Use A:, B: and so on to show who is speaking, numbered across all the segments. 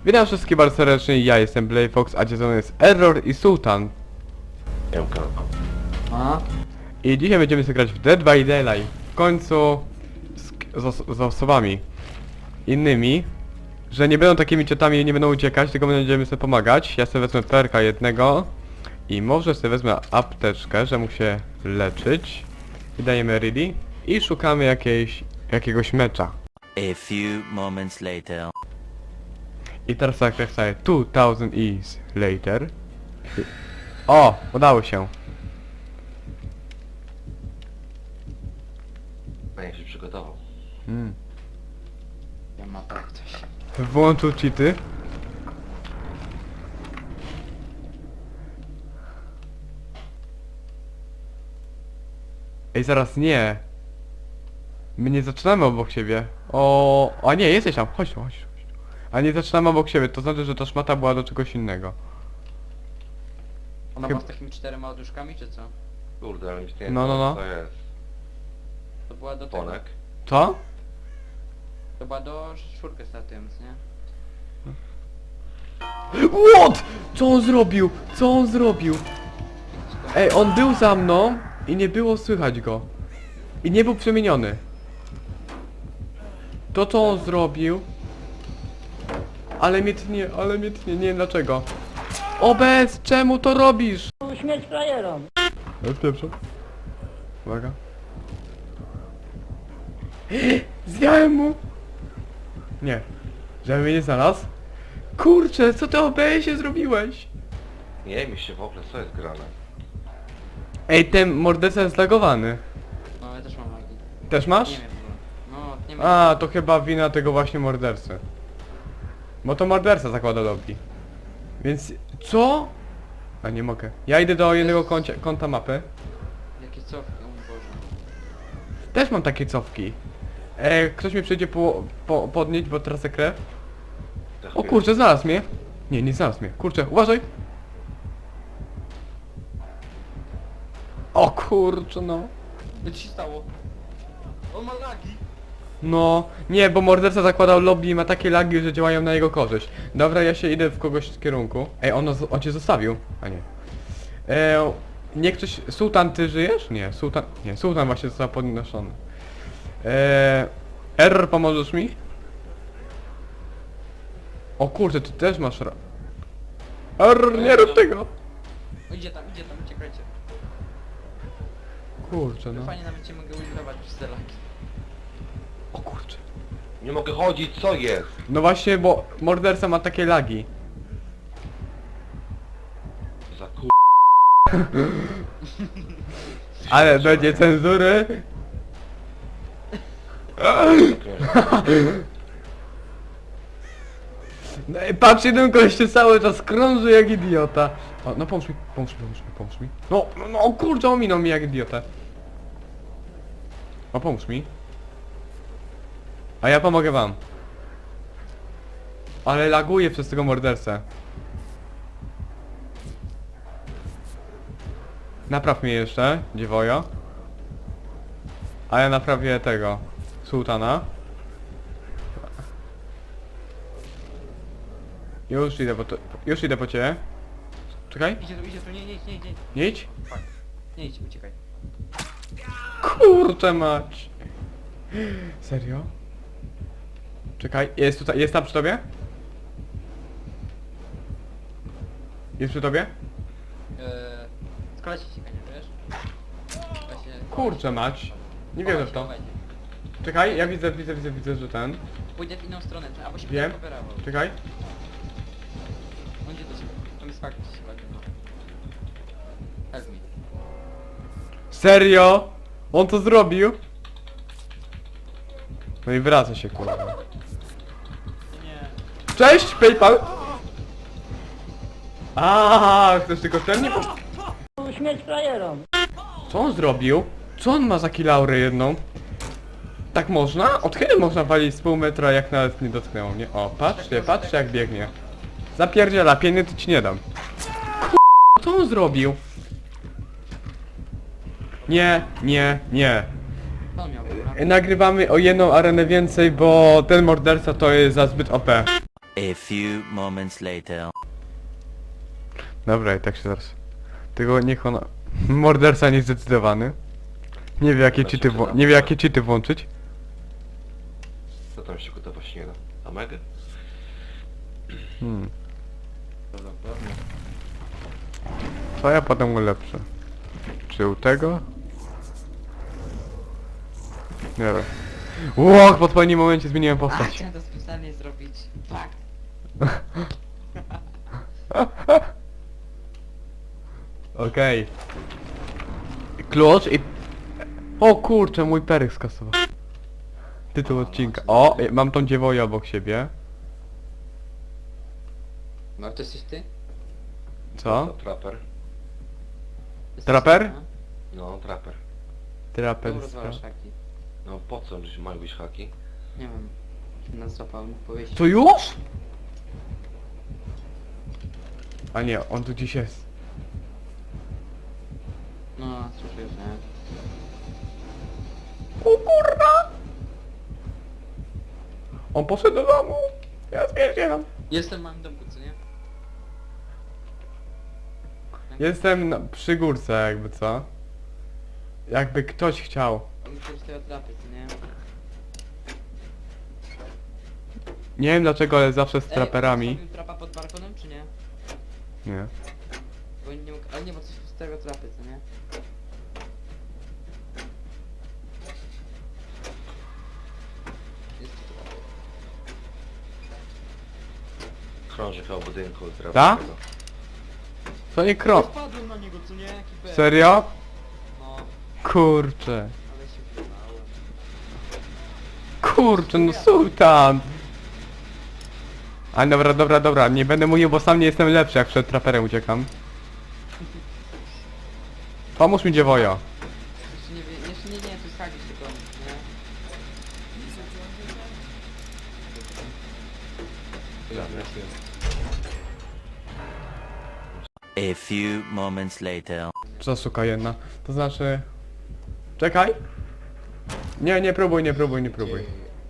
A: Witam wszystkich bardzo serdecznie, ja jestem Blayfox, a ze mną jest Error i Sultan.
B: A?
A: I dzisiaj będziemy sobie grać w Dead by Daylight. W końcu z osobami innymi, że nie będą takimi ciotami i nie będą uciekać, tylko będziemy sobie pomagać. Ja sobie wezmę perka jednego i może sobie wezmę apteczkę, że mógł się leczyć. I dajemy ready i szukamy jakiegoś mecza.
C: A few moments later.
A: I teraz tak sobie 2000 years later. O! Udało się.
D: A jak się przygotował.
B: Ja ma tak coś.
A: Włączył cheaty. Ej, zaraz nie. My nie zaczynamy obok siebie. A nie, jesteś tam. Chodź tu, chodź tu. Chodź tu. A nie zaczynamy obok siebie, to znaczy, że ta szmata była do czegoś innego.
B: Ona była z takimi 4 ładuszkami, czy co?
D: Kurde, ale już nie
A: No.
D: co jest.
B: To była do tego.
D: Ponek.
A: Co?
B: To była do 4 startując, nie?
A: What? Co on zrobił? Co on zrobił? Ej, on był za mną i nie było słychać go. I nie był przemieniony. To co on zrobił? Ale mnie tnie, nie wiem dlaczego. Obez, czemu to robisz?
E: Śmierć frajerom.
A: Pierwsza. Uwaga. Zjałem mu! Nie. Żeby mnie nie znalazł? Kurczę, co ty OBS-ie zrobiłeś?
D: Nie mi się w ogóle, co jest grane.
A: Ej, ten morderca jest zlagowany.
B: No, ja też mam lagi.
A: Też masz?
B: Nie wiem, no, nie wiem.
A: A, to chyba wina tego właśnie mordercy. Bo to morderca zakłada lobby. Więc... Co? A nie mogę. Ja idę do jednego kąta mapy.
B: Jakie cofki, o mój Boże.
A: Też mam takie cofki. Ktoś mnie przyjdzie podnieść, bo tracę krew.
D: Za
A: O
D: chwilę.
A: kurczę, znalazł mnie. Nie znalazł mnie. Kurczę, uważaj. O kurczę, no.
B: Co ci się stało? On ma lagi!
A: No, nie, bo morderca zakładał lobby i ma takie lagi, że działają na jego korzyść. Dobra, ja się idę w kogoś z kierunku. Ej, on cię zostawił. A nie. Nie ktoś... Sultan, ty żyjesz? Nie, Sultan właśnie został podnoszony. Error, pomożesz mi? O kurczę, ty też masz Error, nie rób tego!
B: O, idzie tam, uciekajcie.
A: Kurczę, no.
B: Fajnie nawet cię mogę wylinować przez te lagi.
A: O kurczę.
D: Nie mogę chodzić, co jest?
A: No właśnie, bo morderca ma takie lagi.
D: Za kur...
A: Ale będzie cenzury. No i patrz, jeden gościu cały czas krąży jak idiota. O, no pomóż mi. No kurczę, ominął mi jak idiotę. O, pomóż mi. A ja pomogę wam. Ale laguję przez tego mordercę. Napraw mnie jeszcze, dziewojo. A ja naprawię tego Sultana. Już idę po ciebie. Czekaj.
B: Idzie tu, nie idź.
A: Nie idź.
B: Nie idź, uciekaj.
A: Kurczę mać. Serio? Czekaj, jest tam przy tobie? Jest przy tobie?
B: Z kolei się nie wiesz? Właśnie...
A: Kurczę mać. Nie wierzę w to.
B: Chowaj się.
A: Czekaj, ja widzę, że ten.
B: Pójdę w inną stronę, albo się
A: Wiem.
B: będzie coverował.
A: Czekaj.
B: On idzie do ciebie. Tam jest fakt, że się ładnie. Help me.
A: Serio? On to zrobił? No i wraca się, kurwa.
B: Nie.
A: Cześć, PayPal! Chcesz tylko ten? Nie
E: Śmierć frajerom.
A: Co on zrobił? Co on ma za kilaurę jedną? Tak można? Od kiedy można walić z pół metra, jak nawet nie dotknęło mnie? O, patrzcie jak biegnie. Zapierdziela, pieniędzy ci nie dam. Co on zrobił? Nie.
B: Co on miał, dobra?
A: Nagrywamy o jedną arenę więcej, bo ten morderca to jest za zbyt OP.
C: A few moments later.
A: Dobra, i tak się zaraz... Tylko niech ona... Morderca niezdecydowany. Nie wie jakie
D: Znaczy,
A: cheaty,
D: to
A: nie wie jakie cheaty włączyć.
D: Co tam się gotowa śniega? Amegę?
A: Hmm. Co ja potem ulepszę? Czy u tego? Nie wiem. Łoch, w odpowiednim momencie zmieniłem
B: A,
A: postać.
B: chciałem to specjalnie zrobić. Fakt.
A: Okej. Klucz i... O kurczę, mój perek skasował. Tytuł odcinka. O, mam tą dziewoję obok siebie.
B: No to jesteś ty?
A: Co?
D: To traper.
B: Jesteś
A: Traper?
B: ty, no?
D: No, traper.
B: Czemu
A: Traperska.
B: rozwalasz haki?
D: No po co, że mają być haki?
B: Nie wiem. Nas złapał, mógł powiedzieć.
A: To już? A nie, on tu gdzieś jest.
B: No, słyszę, że...
A: O kurwa! On poszedł do domu. Ja zwierzyłem.
B: Jestem w małym domku, co nie?
A: Jestem przy górce jakby co. Jakby ktoś chciał.
B: On chce tego trapy, co nie?
A: Nie wiem dlaczego, ale zawsze z traperami.
B: Ej, postawił trapa pod balkonem, czy nie?
A: Nie.
B: Bo nie mógł... Ale nie, bo coś z tego trapy, co nie? Jest tu trapy.
D: Krąży koło budynku.
A: Ta? Co nie kro...
B: Spadłem na niego, co nie? Jaki pech.
A: Serio?
B: No,
A: Kurczę.
B: ale się wyrwałem.
A: Kurczę, no sultan! A dobra, dobra, dobra, nie będę mówił, bo sam nie jestem lepszy, jak przed traperem uciekam. Pomóż mi dziewojo.
B: Jeszcze nie wie... Jeszcze nie, to jest hagi tylko, nie?
C: A few moments later.
A: Zasuka jedna. To znaczy... Czekaj! Nie, nie próbuj, nie próbuj, nie próbuj.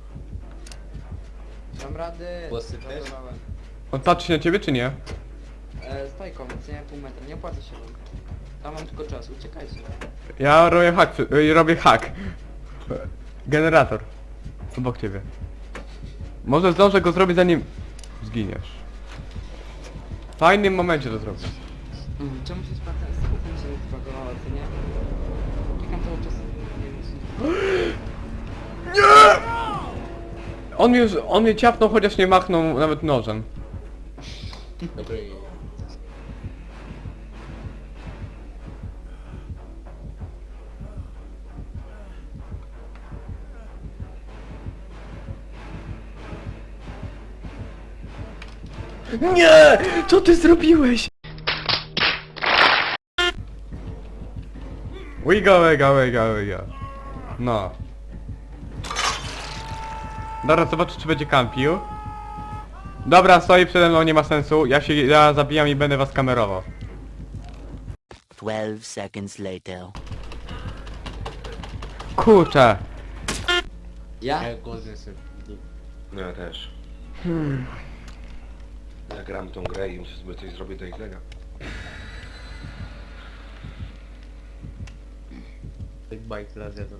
B: Dam rady.
F: Posypiesz?
B: Zadawałem.
A: On patrzy na ciebie czy nie?
B: Stajką, co nie? Pół metra, nie opłaca się wam. Tam mam tylko czas, uciekajcie.
A: Ja robię hack, robię hack. Generator. Obok ciebie. Może zdążę go zrobić zanim... zginiesz. W fajnym momencie to zrobię.
B: Czemu się spadłem? Skupem się zbagowało, co nie? Czekam cały czas. Nie wiem,
A: On mnie ciapnął, chociaż nie machnął nawet nożem.
F: Dobry.
A: Nie! Co ty zrobiłeś? Wiga, wiga, wiga, wiga. No. Dobra, zobaczę czy będzie kampił. Dobra, stoi przede mną, nie ma sensu. Ja zabijam i będę was kamerował.
C: 12 seconds later.
A: Kurczę.
B: Ja?
F: Ja głodny sobie.
D: No ja też. Ja gram tą grę i muszę sobie coś zrobić do Xlega.
F: Big bite teraz jedzą.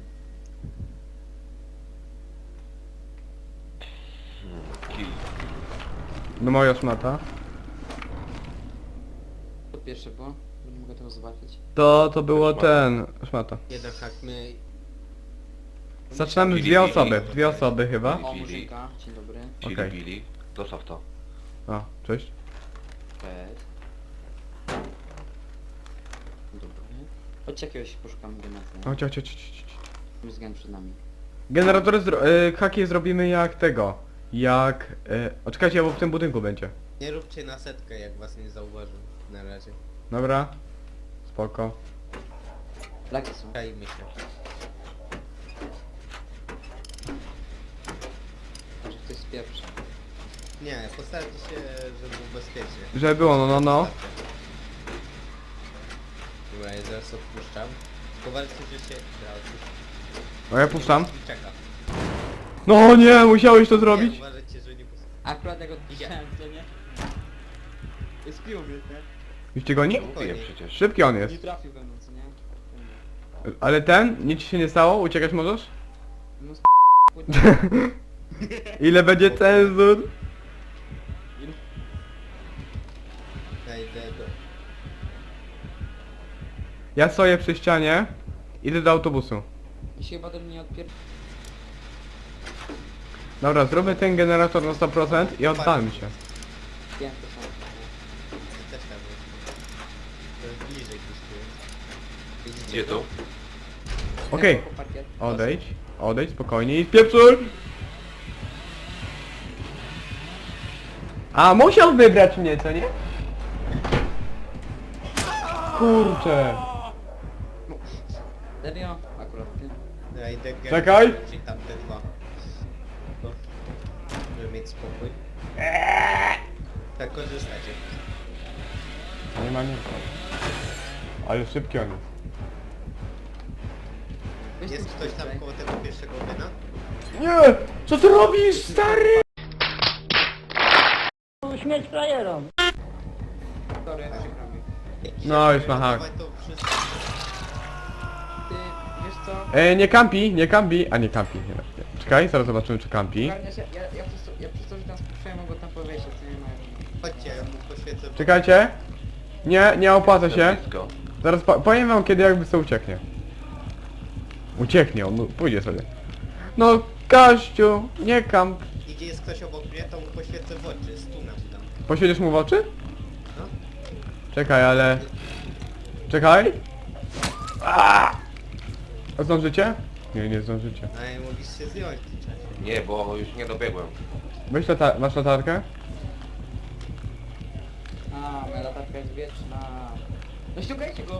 D: Kill.
A: No moja szmata.
B: To pierwsze było, bo nie mogę tego zobaczyć.
A: To było
D: Szmata.
A: ten... szmata.
F: Jeden hak my...
A: Zaczynamy w dwie osoby. Dwie osoby chyba.
B: O, Murzynka, dzień dobry.
D: Chili
A: Okej.
D: Billy. Dostaw to.
A: A, cześć.
B: Cześć. Dobry. Chodź jakiegoś poszukamy generatora.
A: Chodź, chodź, chodź, chodź.
B: Tam jest gen przed nami.
A: Generatory haki zrobimy jak tego. Jak... Oczekajcie, bo w tym budynku będzie.
F: Nie róbcie na setkę, jak was nie zauważył. Na razie.
A: Dobra. Spoko.
B: Laki są.
F: Czajmy się.
B: Może ktoś spieprzy.
F: Nie, postarajcie się, żeby było bezpiecznie.
A: Żeby było, no.
F: Dobra, ja zaraz odpuszczam. Tylko że się... Dobra, odpuszczam.
A: No ja puszczam.
F: I czeka.
A: No nie, musiałeś to zrobić?
F: Nie, uważajcie, że nie
B: Akurat jak odpuszczałem, co nie? Spił mnie, nie?
A: Już cię goni?
D: Mówiłem przecież.
A: Szybki on
B: Nie
A: jest.
B: trafił we mną, co nie?
A: Ale ten? Nic ci się nie stało? Uciekać możesz?
B: No sp...
A: Ile będzie cenzur?
F: Ja idę do...
A: Ja stoję przy ścianie. Idę do autobusu.
B: I się chyba do mnie odpier...
A: Dobra, zróbmy ten generator na 100% i oddalmy się.
B: Wiem, to są.
F: Też tam jest. To jest bliżej gdzieś tu jest. Widzicie
D: Gdzie
F: to?
D: tu?
A: Okej.
B: Po parkiet.
A: Odejdź spokojnie i spieprzuj! A, musiał wybrać mnie, co nie? Kurczę.
B: Serio? Akurat ty.
F: Ja idę
A: Czekaj.
F: Czyli tam te dwa. To, żeby mieć spokój. Tak korzystacie.
A: Nie ma nic. Ale szybki on jest.
B: Weź
F: Jest
B: ten
F: ktoś tam
B: tutaj.
F: koło tego pierwszego wyna?
A: Nie! Co ty robisz, stary?
E: Śmierć frajerom.
B: Sorry, przykro mi.
A: No, już ma hak.
F: Dawaj to wszystko.
B: Ty, wiesz co?
A: Nie kampi, nie kampi. A nie kampi, nie. Czekaj, zaraz zobaczymy czy kampi.
B: Ogarnia się, ja przez to, że tam spuszczałem, mogę tam powiesić, co nie mają.
F: Chodźcie, ja mu poświecę.
A: Czekajcie. Nie opłaca się.
D: Blisko.
A: Zaraz powiem wam kiedy jakby co ucieknie. Ucieknie, on pójdzie sobie. No, Kaściu, nie kamp.
F: Idzie jest ktoś obok mnie, to mu poświecę w oczy. Stuna mu dam.
A: Poświecisz mu w oczy?
F: No.
A: Czekaj, ale... Czekaj. A zdążycie? Nie zdążycie.
F: A ja mogliście zdjąć w tym czasie.
D: Nie, bo już nie dobiegłem.
A: Masz latarkę?
B: A, moja latarka jest wieczna. No ściągajcie go!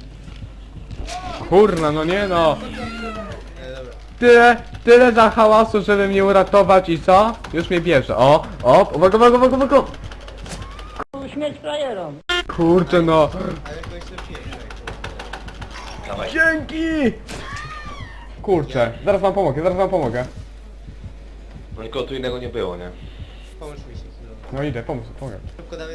A: Kurna, no nie no.
F: Dobra.
A: Tyle za hałasu, żeby mnie uratować i co? Już mnie bierze. Uwaga.
E: Śmierć frajerom.
A: Kurczę no.
F: Ale jakoś lepiej.
D: Dawaj.
A: Dzięki! Kurczę, zaraz wam pomogę.
D: No nikogo tu innego nie było, nie?
F: Pomóż mi się chwilę.
A: No idę, pomogę.
F: Szybko, dawaj.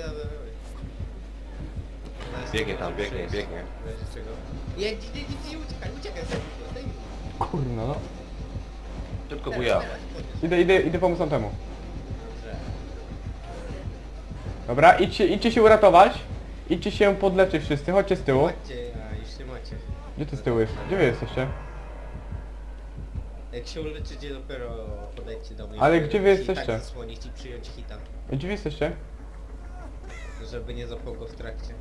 D: Biegnie tam, biegnie.
F: Czego? Jedź, uciekaj sobie. Zdejmij.
A: Kurna no.
D: Szybko buja.
A: Idę pomóc temu. Dobra, idźcie się uratować. Idźcie się podleczyć wszyscy, chodźcie z tyłu.
F: Chodźcie, a już nie macie.
A: Gdzie ty z tyłu jest? Gdzie wy jesteście?
F: Jak się uleczycie, dopiero podejdźcie do mnie.
A: Ale gdzie wy
F: I
A: jesteście?
F: Tak zasłonić i przyjąć hita,
A: Gdzie wy jesteście?
F: żeby nie zapał go w trakcie.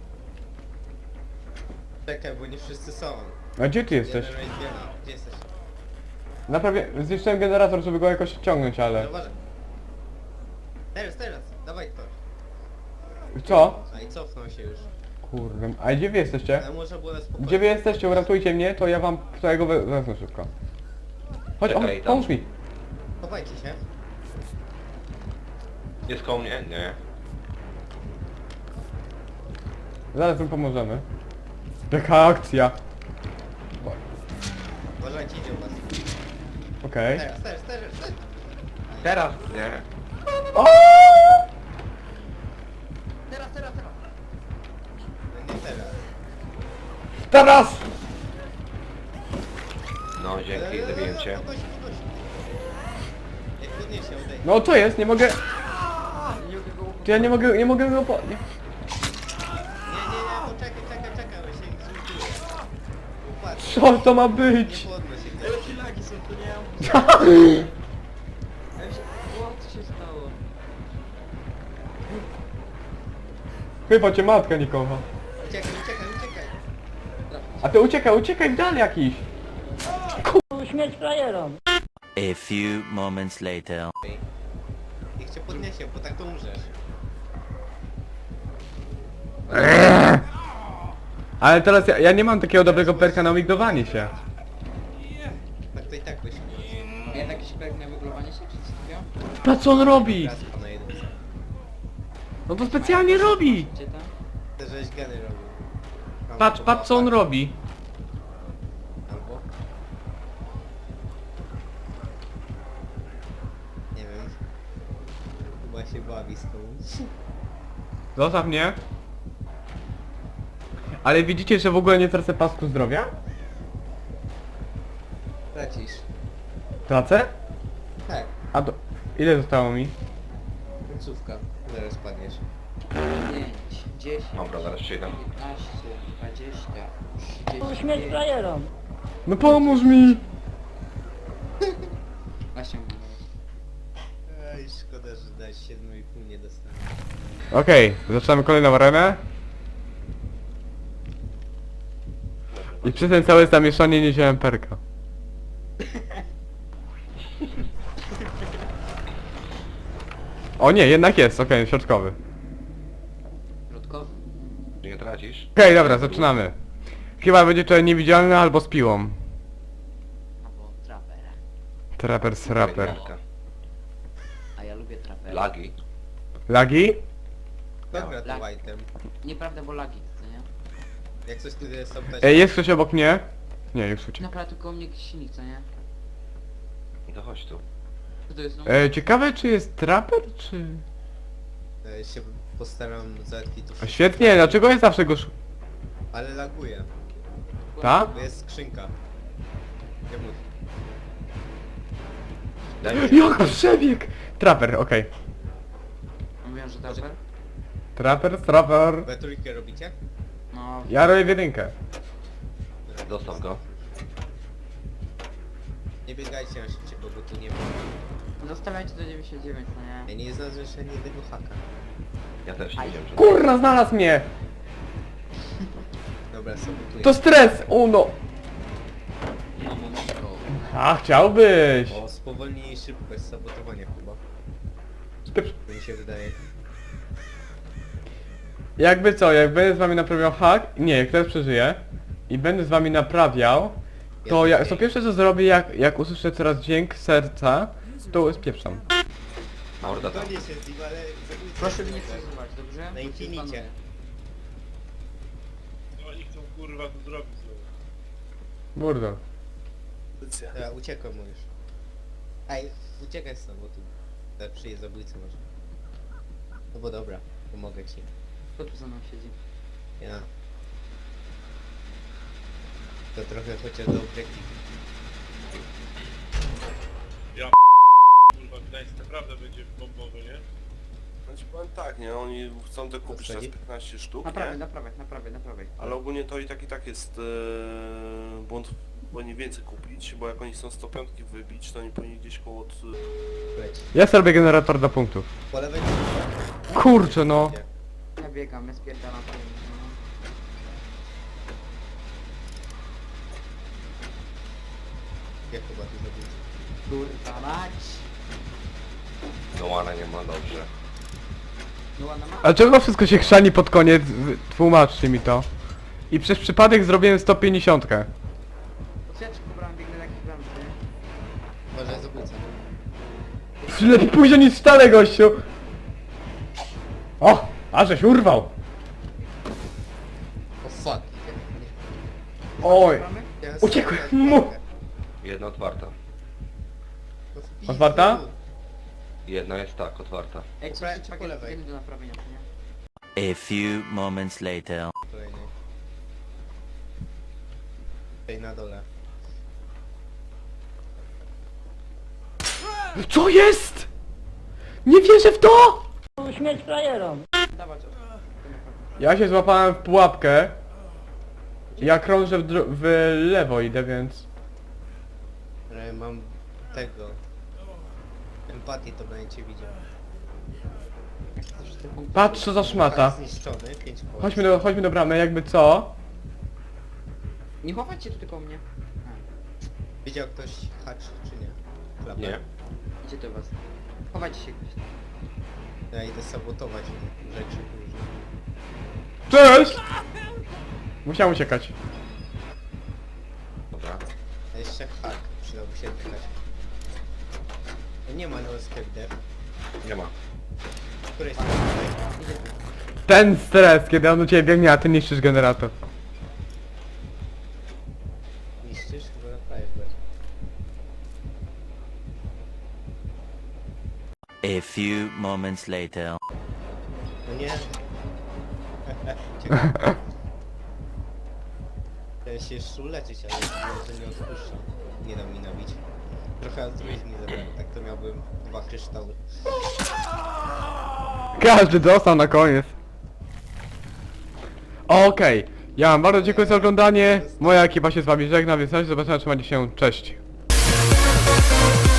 F: Czekaj, bo nie wszyscy są.
A: A gdzie ty jesteś?
F: Jeden raid wiela. Gdzie jesteś?
A: Naprawię, zniszczyłem generator, żeby go jakoś ściągnąć, ale...
F: No uważaj. Teraz, dawaj ktoś.
A: Co?
F: A i cofnął się już.
A: Kurde, a gdzie wy jesteście?
F: Ale można było na spokojnie.
A: Gdzie wy jesteście? Uratujcie mnie, to ja wam całego wezmę szybko. Chodź,
D: Czekaj, tam.
A: pomóż mi.
F: Chowajcie się.
D: Jest koło mnie? Nie.
A: Zaraz wam pomożemy. Jaka akcja.
F: Uważajcie, idzie u was.
A: Okej.
F: Teraz.
D: Teraz? Nie.
A: O!
F: Teraz. No nie teraz.
A: Teraz!
D: No dzięki, zabiłem cię.
F: Podnoś. Jak podniesie, odejdź.
A: No co jest? Nie mogę... Czy ja nie mogę go po... Nie.
F: Nie, poczekaj, bo się zrzuciło. Upatrz.
A: Co to ma
F: Nie
A: być?
F: podnoś się.
B: Jakie lagi są, to nie mam... Ja myślę, co się stało?
A: Chyba cię matka nie kocha.
F: Uciekaj.
A: A ty uciekaj w dal jakiś.
E: Śmierć frajerom.
C: A few moments later.
F: Niech cię podniesie, bo tak to umrzesz.
A: Ale teraz ja nie mam takiego dobrego perka na migdowanie się.
F: Tak to i tak byś
B: A jednak jakiś projekt na wyglowanie się, czy coś takiego?
A: Patrz co on robi!
F: raz na jedynce.
A: No to specjalnie robi!
B: Gdzie tam?
F: Ty żeś geny robił.
A: Patrz co on robi.
F: Albo? Nie wiem.
A: Zostaw mnie. Ale widzicie, że w ogóle nie tracę pasku zdrowia?
F: Tracisz.
A: Tracę?
F: Tak,
A: A do... Ile zostało mi?
F: końcówka. Zaraz padniesz.
B: 5, 10,
D: Dobra, zaraz przyjdę.
B: 15, 20,
E: Śmierć
B: 35.
E: frajerom.
A: No pomóż mi!
B: Właśnie mówię.
F: Ej, szkoda, że dać 7,5 nie dostanę.
A: Okej, zaczynamy kolejną arenę. I przez ten całe zamieszanie nie wziąłem perka. O nie, jednak jest, okej, środkowy.
B: Środkowy.
D: Nie tracisz?
A: Okej, dobra, zaczynamy. Chyba będzie to niewidzialny albo z piłą.
B: Albo trapera.
A: Trapper z rapper.
D: Jedynka.
B: A ja lubię trapera.
D: Lagi.
A: Lagi?
F: Dobra, to
B: Lag.
F: white'em.
B: Nieprawda, bo lagi, co nie?
F: Jak coś tu jest tam też...
A: Ej, jest ktoś obok mnie? Nie, już uciekł.
B: Naprawdę tylko u mnie jakiś silnik, co nie?
D: To chodź tu.
B: Co to jest? No?
A: Ciekawe czy jest trapper, czy...
F: się postaram załatwić to
A: A
F: wszystko.
A: świetnie, dlaczego jest zawsze go...
F: Ale laguje,
A: Ta?
F: bo jest skrzynka. Nie mów.
D: Daj mi.
A: Jak przebieg! Trapper, okej.
B: Mówiłem, że trapper?
A: Trapper.
F: We trójkę robicie?
B: No,
A: Ja robię w jedynkę.
D: Zostaw go.
F: Nie biegajcie na szybciej, bo tu nie ma.
B: zostawiajcie do 99, no nie?
F: Ja nie znalazłem jeszcze ani jednego haka.
D: Ja też nie wiem, że...
A: Kurna, znalazł mnie!
F: Dobra, sabotuję.
A: To stres! Uno!
B: Mamo, mamo.
A: A, chciałbyś!
F: O, spowolnij szybkość sabotowania chyba.
A: Spieprz-
F: To mi się wydaje.
A: Jakby co, jak będę z wami naprawiał hack, nie, jak teraz przeżyję i będę z wami naprawiał, to ja, to pierwsze co zrobię, jak usłyszę coraz dźwięk serca, to spieprzam.
D: Morda tam.
F: Gonię się z nim, ale zabójca
B: Proszę
F: jest
B: mnie nie
F: super.
B: przezywać, dobrze?
F: Na infinicie.
B: Panuję.
G: Co oni chcą kurwa tu zrobić znowu?
A: Burdo.
F: Dobra, uciekłem mu już. Ej, uciekaj stąd, bo tu przyjdzie zabójca może. No bo dobra, pomogę ci.
B: Kto tu za mną siedzi?
F: Ja. To trochę chociaż do obiektywu.
G: Kurwa, Gdańsk naprawdę będzie bombowy, nie?
H: Znaczy powiem tak, nie? Oni chcą te kupić
F: Co
H: teraz
F: chodzi?
H: 15 sztuk,
B: Naprawię,
H: nie?
B: naprawię.
H: Ale ogólnie to i tak jest błąd, powinni więcej kupić, bo jak oni chcą 105 wybić, to oni powinni gdzieś koło od...
F: Leć.
A: Ja sobie robię generator do punktów.
F: Po lewej...
A: Kurczę no!
B: Ja biegam, ja spierdalam.
F: Ja chyba tu zabójca.
B: Kurwa mać!
D: No łana nie ma, dobrze.
B: No ładna ma...
A: A czego wszystko się chrzani pod koniec? Tłumaczcie mi to. I przez przypadek zrobiłem 150.
B: Otwieraczkę pobrałem, biegnę na jakiś bram, nie?
F: Może zabójca.
A: Lepiej późno niż wcale, gościu! O! A żeś urwał!
F: O fuck.
A: Oj!
B: Bramy?
F: Ja
A: Uciekłem
F: sam-
A: mu.
D: Jedna otwarta.
F: No w pizdu.
A: Otwarta?
D: Jedna jest tak, otwarta.
B: Ej,
F: Po
B: co
F: prawej
B: się
F: czy po
B: pakiet
F: lewej?
B: jeden do naprawienia, co nie?
C: A few moments later.
F: Kolejny. Tutaj na dole.
A: Co jest?! Nie wierzę w to!
E: Śmierć frajerom.
B: Dawać o.
A: Ja się złapałem w pułapkę. Ja krążę w lewo idę, więc...
F: Ale mam tego. Empatii to będziecie widział.
A: Patrz co za szmata.
F: Hak zniszczony, 5 koła.
A: Chodźmy do bramy, jakby co?
B: Nie chowajcie tu tylko mnie.
F: Widział ktoś hacz czy nie? Klapę.
D: Nie.
B: Idzie do was. Chowajcie się gdzieś.
F: Ja idę sabotować rzeczy różne.
A: Cześć! Musiałem uciekać.
D: Dobra.
F: A jeszcze hak. Przydałby się oddychać. Nie ma no skepder.
D: Nie ma.
F: Której strony?
A: Ten stres, kiedy on u ciebie biegnie, a ty niszczysz generator.
F: Niszczysz? Chyba naprawisz bardziej.
C: A few moments later.
F: No nie, Uciekaj. Chciałem się jeszcze uleczyć, ale że nie odpuszczam. Nie dam mi nabić. Trochę altruizm mi zabrałem, tak to miałbym 2 kryształy.
A: Każdy dostał na koniec. Okej, ja wam bardzo dziękuję za oglądanie. Moja ekipa się z wami żegna, więc na razie zobaczenia, trzymajcie się, cześć.